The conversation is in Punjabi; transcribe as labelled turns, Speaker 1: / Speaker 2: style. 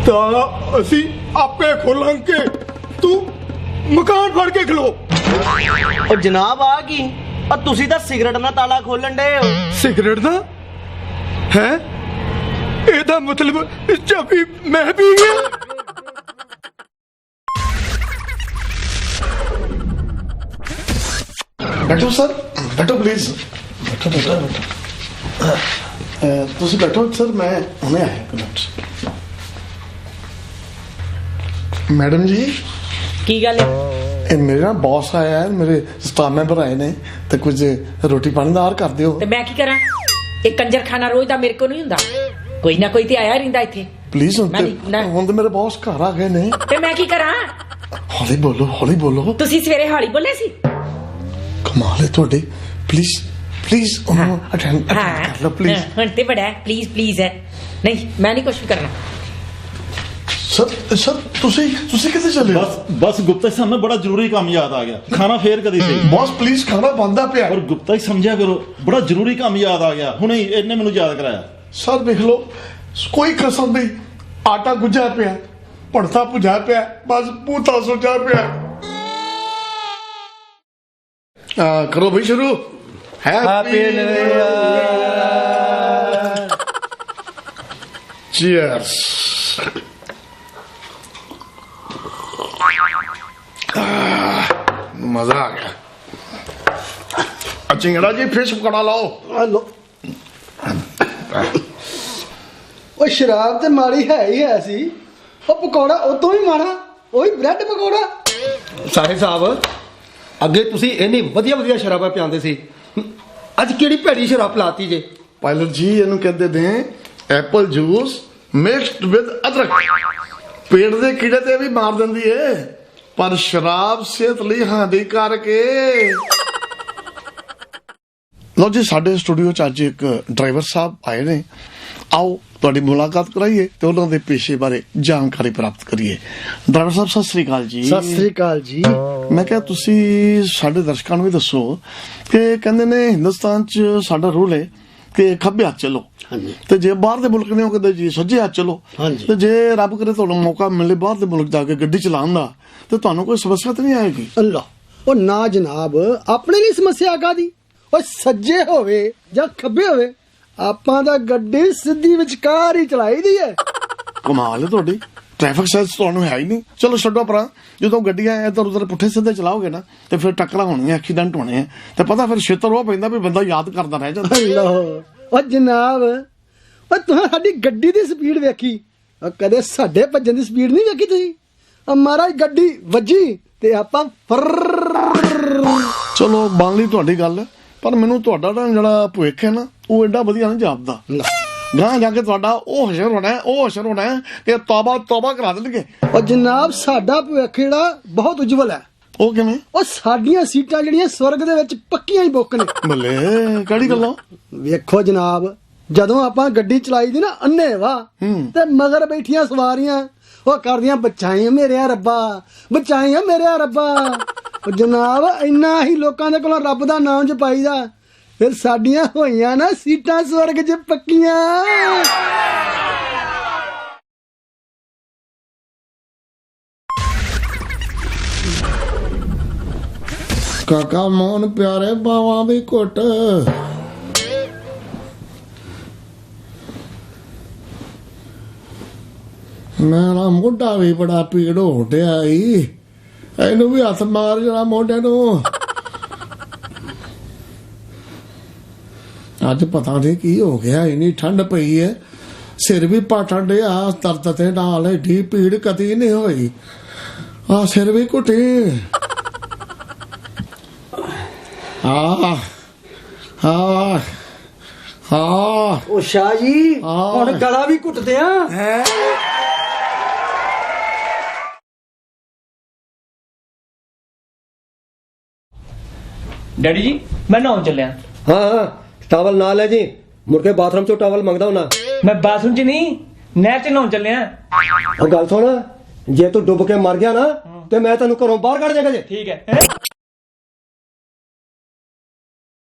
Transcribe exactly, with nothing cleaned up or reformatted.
Speaker 1: ਤਾਂ ਅਸੀਂ ਆਪੇ ਖੋਲਾਂਗੇ, ਤੂੰ ਮਕਾਨ ਫੜ ਕੇ ਖਲੋ।
Speaker 2: ਉਹ ਜਨਾਬ ਆ ਕੀ ਆ ਤੁਸੀਂ ਤਾਂ ਸਿਗਰਟ ਨਾਲ ਤਾਲਾ ਖੋਲਣ ਡਏ ਹੋ।
Speaker 1: ਸਿਗਰਟ ਦਾ ਹੈ? ਇਹਦਾ ਮਤਲਬ ਚਾਬੀ ਮੈਂ ਪੀ ਗਿਆ।
Speaker 3: ਬੈਠੋ ਸਰ, ਬੈਠੋ ਪਲੀਜ਼, ਬੈਠੋ ਬੈਠੋ ਬੈਠੋ। ਅਹ, ਤੁਸੀਂ ਬੈਠੋ ਸਰ, ਮੈਂ ਹੁਣੇ ਆਇਆ ਇੱਕ ਮਿੰਟ। ਮੈਡਮ ਜੀ,
Speaker 4: ਕੀ ਗੱਲ ਹੈ?
Speaker 3: ਇਹ ਮੇਰੇ ਨਾਲ ਬੌਸ ਆਇਆ ਹੈ, ਮੇਰੇ ਸਟਾਫ ਮੈਂਬਰ ਆਏ ਨੇ ਤੇ ਕੁਝ ਰੋਟੀ ਪਾਣੀ ਦਾ ਆਰ ਕਰ ਦਿਓ।
Speaker 4: ਤੇ ਮੈਂ ਕੀ ਕਰਾਂ? ਇਹ ਕੰਜਰਖਾਨਾ ਰੋਜ਼ ਦਾ ਮੇਰੇ ਕੋਲ ਨਹੀਂ ਹੁੰਦਾ, ਕੋਈ ਨਾ ਕੋਈ ਤੇ ਆਇਆ ਰਹਿੰਦਾ ਇੱਥੇ।
Speaker 3: ਪਲੀਜ਼ ਹੁਣ
Speaker 4: ਮੈਂ
Speaker 3: ਤੇ
Speaker 4: ਨਹੀਂ- ਨਾ।
Speaker 3: ਹੁਣ ਤੇ ਮੇਰੇ ਬੌਸ ਘਰ ਆ ਗਏ ਨੇ।
Speaker 4: ਤੇ ਮੈਂ ਕੀ ਕਰਾਂ?
Speaker 3: ਹੌਲੀ ਬੋਲੋ, ਹੌਲੀ ਬੋਲੋ।
Speaker 4: ਤੁਸੀਂ ਸਵੇਰੇ ਹਾਲੀ ਬੋਲੇ ਸੀ।
Speaker 3: ਕਮਾਲ ਹੈ ਤੁਹਾਡੀ। ਪਲੀਜ਼ ਪਲੀਜ਼ ਉਹਨੂੰ ਅਟੈਂਡ ਕਰ ਲਓ ਪਲੀਜ਼।
Speaker 4: ਹਾਂ, ਹੁਣ ਤੇ ਬੜਾ ਪਲੀਜ਼ ਪਲੀਜ਼ ਹੈ। ਨਹੀਂ, ਮੈਂ ਨਹੀਂ ਕੁਝ ਵੀ ਕਰਨਾ।
Speaker 3: ਸਰ ਸਰ ਤੁਸੀਂ ਤੁਸੀਂ ਕਿੱਥੇ ਚਲੇ ਹੋ?
Speaker 5: ਬਸ ਬਸ ਗੁप्ता जी हमें बड़ा जरूरी काम याद आ गया, खाना फेर कदी सही।
Speaker 3: ਬੌਸ ਪਲੀਜ਼ ਖਾਣਾ ਬੰਦਾ ਪਿਆ।
Speaker 5: और गुप्ता जी समझा करो, बड़ा जरूरी काम याद आ गया, हुणे इन्हें मैनू याद कराया।
Speaker 3: ਸਰ ਦੇਖ ਲਓ, ਕੋਈ ਕਸਰ ਨਹੀਂ, ਆਟਾ ਗੁੱਝਾ ਪਿਆ, ਭੜਥਾ ਭੁਜਾ ਪਿਆ, ਬਸ ਪੂਤਾ ਸੁਜਾ ਪਿਆ। ਆ ਕਰੋ ਭਾਈ ਸ਼ੁਰੂ। Happy new year. ਚੀਅਰਸ। ਮਜ਼ਾ ਆ ਗਿਆ। ਚਿੰਗੜਾ ਜੀ ਫਿਸ਼ ਪਕੜਾ ਲਾਓ।
Speaker 6: ਹਲੋ। ਉਹ ਸ਼ਰਾਬ ਤੇ ਮਾੜੀ ਹੈ ਹੀ ਹੈ ਸੀ, ਉਹ ਪਕੌੜਾ ਉਹ ਤੋਂ ਵੀ ਮਾੜਾ, ਉਹੀ ਬ੍ਰੈਡ ਪਕੌੜਾ।
Speaker 7: ਸਾਹਿਬ ਸਾਹਿਬ, ਅੱਗੇ ਤੁਸੀਂ ਇੰਨੀ ਵਧੀਆ ਵਧੀਆ ਸ਼ਰਾਬਾਂ ਪਿਆਉਂਦੇ ਸੀ, ਅੱਜ ਕਿਹੜੀ ਭੈੜੀ ਸ਼ਰਾਬ ਪਲਾਤੀ ਜੇ?
Speaker 3: ਪਾਇਲਟ ਜੀ ਇਹਨੂੰ ਕਹਿੰਦੇ ਨੇ ਐਪਲ ਜੂਸ ਮਿਕਸਡ ਵਿਦ ਅਦਰਕ। ਪੇਟ ਦੇ ਕੀੜੇ ਤੇ ਵੀ ਮਾਰ ਦਿੰਦੀ ਏ, ਪਰ ਸ਼ਰਾਬ ਸਿਹਤ ਲਈ ਹਾਨੀਕਾਰਕ ਏ। ਲੋ ਜੀ, ਸਾਡੇ ਸਟੂਡੀਓ ਚ ਅੱਜ ਇੱਕ ਡਰਾਈਵਰ ਸਾਹਿਬ ਆਏ ਨੇ। ਆਓ ਤੁਹਾਡੀ ਮੁਲਾਕਾਤ ਕਰਾਈਏ ਤੇ ਉਹਨਾਂ ਦੇ ਪੇਸ਼ੇ ਬਾਰੇ ਜਾਣਕਾਰੀ ਪ੍ਰਾਪਤ ਕਰੀਏ। ਡਰਾਈਵਰ ਸਾਹਿਬ ਸਤਿ ਸ੍ਰੀ ਅਕਾਲ ਜੀ।
Speaker 6: ਸਤਿ ਸ੍ਰੀ ਅਕਾਲ ਜੀ।
Speaker 3: ਮੈਂ ਕਿਹਾ ਤੁਸੀਂ ਸਾਡੇ ਦਰਸ਼ਕਾਂ ਨੂੰ ਵੀ ਦੱਸੋ ਕਿ ਕਹਿੰਦੇ ਨੇ ਹਿੰਦੁਸਤਾਨ ਚ ਸਾਡਾ ਰੂਲ ਹੈ ਕਿ ਖੱਬੇ ਹੱਥ ਚੱਲੋ, ਤੇ ਜੇ ਬਾਹਰ ਦੇ ਮੁਲਕ ਨੇ ਉਹ ਕਹਿੰਦੇ ਜੀ ਸੱਜੇ ਹੱਥ ਚੱਲੋ। ਤੇ ਜੇ ਰੱਬ ਕਰੇ ਤੁਹਾਨੂੰ ਮੌਕਾ ਮਿਲੇ ਬਾਹਰ ਦੇ ਮੁਲਕ ਜਾ ਕੇ ਗੱਡੀ ਚਲਾਉਣ ਦਾ, ਤੇ ਤੁਹਾਨੂੰ ਕੋਈ ਸਮੱਸਿਆ ਤਾਂ ਨਹੀਂ ਆਏਗੀ?
Speaker 6: ਅੱਲਾ, ਉਹ ਨਾ ਜਨਾਬ, ਆਪਣੇ ਲਈ ਸਮੱਸਿਆ ਕਾਦੀ? ਉਹ ਸੱਜੇ ਹੋਵੇ ਜਾਂ ਖੱਬੇ ਹੋਵੇ, ਆਪਾਂ ਦਾ ਗੱਡੀ ਸਿੱਧੀ ਵਿਚਕਾਰ ਹੀ ਚਲਾਈ ਦੀ ਹੈ।
Speaker 3: ਕਮਾਲ ਹੈ ਤੁਹਾਡੀ, ਟ੍ਰੈਫਿਕ ਸੈਂਸ ਤੁਹਾਨੂੰ ਹੈ ਹੀ ਨਹੀਂ। ਚਲੋ ਛੱਡੋ ਪਰਾਂ, ਜਦੋਂ ਗੱਡੀਆਂ ਇੱਧਰ ਉੱਧਰ ਪੁੱਠੇ ਸਿੱਧੇ ਚਲਾਓਗੇ ਨਾ ਤੇ ਫਿਰ ਟੱਕਰਾਂ ਹੋਣੀਆਂ, ਐਕਸੀਡੈਂਟ ਹੋਣੇ ਆ, ਤੇ ਪਤਾ ਫਿਰ ਛੇਤਰ ਉਹ ਪੈਂਦਾ ਵੀ ਬੰਦਾ ਯਾਦ ਕਰਦਾ ਰਹਿ ਜਾਂਦਾ।
Speaker 6: ਅੱਲਾ, ਉਹ ਜਨਾਬ, ਉਹ ਤੁਸੀਂ ਸਾਡੀ ਗੱਡੀ ਦੀ ਸਪੀਡ ਵੇਖੀ, ਉਹ ਕਦੇ ਸਾਡੇ ਭੱਜਣ ਦੀ ਸਪੀਡ ਨਹੀਂ ਵੇਖੀ ਤੁਸੀਂ। ਮਹਾਰਾਜ ਗੱਡੀ ਵੱਜੀ ਤੇ ਆਪਾਂ ਫਰ।
Speaker 3: ਚਲੋ ਬਣ ਲਈ ਤੁਹਾਡੀ ਗੱਲ, ਪਰ ਮੈਨੂੰ ਤੁਹਾਡਾ ਨਾ ਜਿਹੜਾ ਭੁੱਖ ਹੈ ਨਾ ਉਹ ਐਡਾ ਵਧੀਆ ਨਹੀਂ ਜਾਪਦਾ। ਗਾਂ ਜਾ ਕੇ ਤੁਹਾਡਾ ਉਹ ਹਸ਼ਰ ਹੋਣਾ, ਉਹ ਹਸ਼ਰ ਹੋਣਾ ਕਿ ਤੌਬਾ ਤੌਬਾ ਕਰਾ ਦੇਣਗੇ।
Speaker 6: ਉਹ ਜਨਾਬ, ਸਾਡਾ ਭਵਿੱਖ ਜਿਹੜਾ ਬਹੁਤ ਉਜਵਲ ਹੈ।
Speaker 3: ਉਹ ਕਿਵੇਂ?
Speaker 6: ਉਹ ਸਾਡੀਆਂ ਸੀਟਾਂ ਜਿਹੜੀਆਂ ਸਵਰਗ ਦੇ ਵਿੱਚ ਪੱਕੀਆਂ ਹੀ ਬੁੱਕ ਨੇ।
Speaker 3: ਬੱਲੇ, ਕਿਹੜੀ ਗੱਲੋਂ?
Speaker 6: ਵੇਖੋ ਜਨਾਬ, ਜਦੋਂ ਆਪਾਂ ਗੱਡੀ ਚਲਾਈ ਦੀ ਨਾ ਅੰਨੇ ਵਾ, ਤੇ ਮਗਰ ਬੈਠੀਆਂ ਸਵਾਰੀਆਂ ਉਹ ਕਰਦੀਆਂ ਬਚਾਈਆਂ ਮੇਰੇ ਰੱਬਾ, ਬਚਾਈਆਂ ਮੇਰੇ ਰੱਬਾ। ਉਹ ਜਨਾਬ, ਇੰਨਾ ਹੀ ਲੋਕਾਂ ਦੇ ਕੋਲੋਂ ਰੱਬ ਦਾ ਨਾਮ ਜਪਾਈਦਾ, ਫਿਰ ਸਾਡੀਆਂ ਹੋਈਆਂ ਨਾ ਸੀਟਾਂ ਸਵਰਗ 'ਚ ਪੱਕੀਆਂ।
Speaker 3: ਕਾਕਾ ਮੋਹਨ ਪਿਆਰੇ ਬਾਵਾਂ ਦੀ ਘੁੱਟ, ਮੇਰਾ ਮੋਢਾ ਵੀ ਬੜਾ ਪੀੜ ਹੋ ਰਿਹਾ ਈ, ਇਹਨੂੰ ਵੀ ਹੱਥ ਮਾਰ ਜਰਾ ਮੋਢੇ ਨੂੰ। ਅੱਜ ਪਤਾ ਨਹੀਂ ਕੀ ਹੋ ਗਿਆ, ਇੰਨੀ ਠੰਡ ਪਈ ਹੈ, ਸਿਰ ਵੀ ਪਾਟਣ ਡਿਆ ਦਰਦ ਤੇ ਨਾਲ, ਏਡੀ ਪੀੜ ਕਦੀ ਨਹੀਂ ਹੋਈ। ਆ ਸਿਰ ਵੀ ਘੁੱਟੀ। ਆ ਆ ਆ
Speaker 6: ਉਹ ਸ਼ਾਹ ਜੀ, ਹੁਣ ਗਲਾ ਵੀ ਘੁੱਟਦੇ ਆ।
Speaker 8: ਡੈਡੀ ਜੀ, ਮੈਂ ਨਹਾਉਣ ਚੱਲਿਆ।
Speaker 7: ਹਾਂ ਹਾਂ, ਟਾਵਲ ਨਾਲ ਲੈ ਜੀ, ਮੁੜ ਕੇ ਬਾਥਰੂਮ ਚੋਂ ਟਾਵਲ ਮੰਗਦਾ ਹੁਣਾ।
Speaker 8: ਮੈਂ ਬਾਥਰੂਮ 'ਚ ਨਹੀਂ, ਨਹਿਰ 'ਚ ਨਹਾਉਣ ਚੱਲਿਆ।
Speaker 7: ਉਹ ਗੱਲ ਸੁਣ, ਜੇ ਤੂੰ ਡੁੱਬ ਕੇ ਮਰ ਗਿਆ ਨਾ ਤੇ ਮੈਂ ਤੈਨੂੰ ਘਰੋਂ ਬਾਹਰ ਕੱਢ ਜਾਗਾ ਜੇ।
Speaker 8: ਠੀਕ ਹੈ।